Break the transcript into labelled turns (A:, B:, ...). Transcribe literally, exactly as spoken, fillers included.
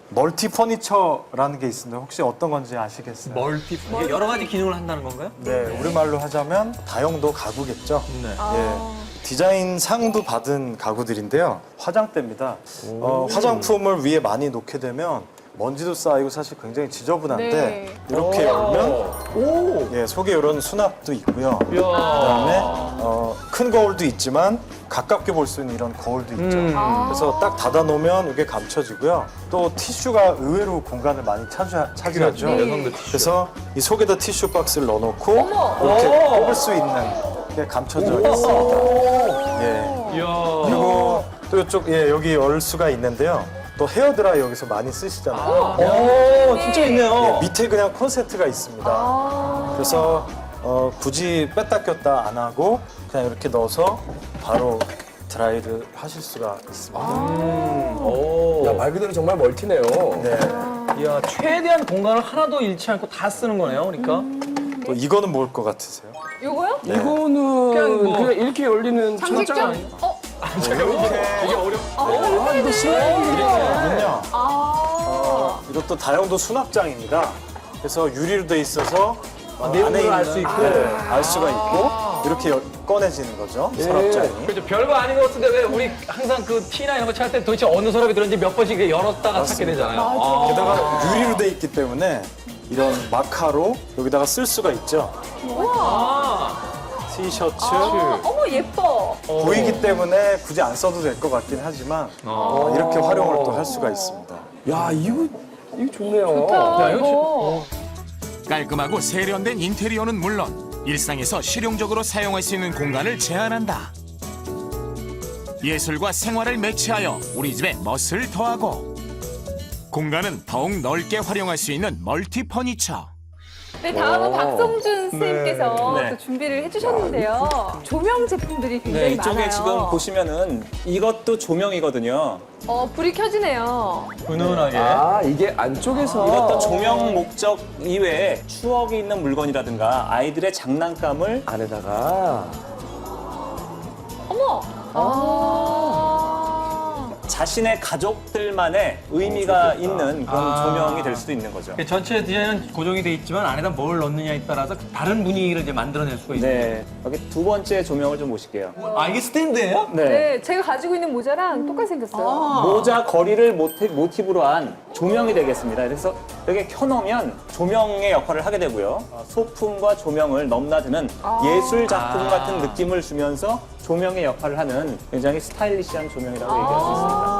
A: 멀티 퍼니처라는 게 있습니다. 혹시 어떤 건지 아시겠어요?
B: 멀티 이게 여러 가지 기능을 한다는 건가요?
A: 네, 우리말로 하자면 다용도 가구겠죠.
B: 네.
A: 예. 디자인 상도 받은 가구들인데요. 화장대입니다. 어, 화장품을 위에 많이 놓게 되면 먼지도 쌓이고 사실 굉장히 지저분한데
C: 네.
A: 이렇게 열면
B: 오.
A: 예, 속에 이런 수납도 있고요.
B: 야.
A: 그다음에 어, 큰 거울도 있지만 가깝게 볼 수 있는 이런 거울도 있죠.
B: 음.
A: 그래서 딱 닫아 놓으면 이게 감춰지고요. 또 티슈가 의외로 공간을 많이 차지, 차지하죠.
C: 네.
B: 여성들 티슈.
A: 그래서 이 속에다 티슈 박스를 넣어놓고
C: 어머.
A: 이렇게
B: 오.
A: 뽑을 수 있는 게 감춰져 있습니다. 예.
B: 이야.
A: 그리고 또 이쪽 예 여기 열 수가 있는데요. 또 헤어드라이 여기서 많이 쓰시잖아요.
B: 오, 진짜 있네요.
A: 예, 밑에 그냥 콘센트가 있습니다.
C: 아.
A: 그래서 어, 굳이 뺐다 꼈다 안 하고 그냥 이렇게 넣어서 바로 드라이를 하실 수가 있습니다.
B: 오.
D: 야, 말 그대로 정말 멀티네요.
A: 네.
B: 이야, 최대한 공간을 하나도 잃지 않고 다 쓰는 거네요, 그러니까.
A: 또 이거는 뭘 것 같으세요?
C: 요거요?
A: 네.
D: 이거는
B: 그냥
D: 그냥,
B: 뭐-
D: 이렇게 열리는
C: 장식장? 어?
B: 되게 어렵.
D: 아, 이거
A: 이거는요.
C: 아.
A: 이것도 다용도 수납장입니다. 그래서 유리로 돼 있어서 어,
B: 내용물을
A: 안에
B: 알
A: 있는-
B: 수 있고.
A: 네, 알 수가 있고 이렇게 열- 꺼내지는 거죠. 서랍장이.
B: 그렇죠. 별거 아닌 것 같은데 왜 우리 항상 그 티나 이런 거 찾을 때 도대체 어느 서랍이 들었는지 몇 번씩 이렇게 열었다가 찾게
A: 맞습니다.
B: 되잖아요. 아.
A: 게다가 유리로 돼 있기 때문에 이런 마카로 여기다가 쓸 수가 있죠.
B: 아.
A: 티셔츠
C: 아, 어머 예뻐.
A: 보이기 때문에 굳이 안 써도 될 것 같긴 하지만 어, 이렇게 활용을 또 할 수가 있습니다.
D: 야, 이거 이거 좋네요.
C: 아,
B: 야, 이거
C: 이거.
E: 깔끔하고 세련된 인테리어는 물론 일상에서 실용적으로 사용할 수 있는 공간을 제안한다. 예술과 생활을 매치하여 우리 집에 멋을 더하고 공간은 더욱 넓게 활용할 수 있는 멀티 퍼니처.
C: 네, 다음은
D: 오.
C: 박성준 선생님께서
F: 네.
C: 또 준비를 해주셨는데요. 조명 제품들이 굉장히
F: 네, 이쪽에
C: 많아요.
F: 지금 보시면은 이것도 조명이거든요.
C: 어, 불이 켜지네요.
B: 은은하게.
D: 아, 이게 안쪽에서
F: 이것도 조명 목적 이외에 추억이 있는 물건이라든가 아이들의 장난감을
D: 안에다가
C: 어머. 아.
F: 자신의 가족들만의 의미가 있는 그런 조명이 될 수도 있는 거죠.
B: 전체 디자인은 고정이 돼 있지만 안에다 뭘 넣느냐에 따라서 다른 분위기를 이제 만들어낼 수가 있어요.
F: 네, 여기 두 번째 조명을 좀 보실게요.
B: 아, 이게 스탠드예요?
F: 네.
C: 네, 제가 가지고 있는 모자랑 똑같이 생겼어요.
F: 모자 거리를 모티, 모티브로 한 조명이 되겠습니다. 그래서 여기 켜놓으면 조명의 역할을 하게 되고요. 어, 소품과 조명을 넘나드는 예술 작품 같은 느낌을 주면서 조명의 역할을 하는 굉장히 스타일리시한 조명이라고 얘기할 수 있습니다.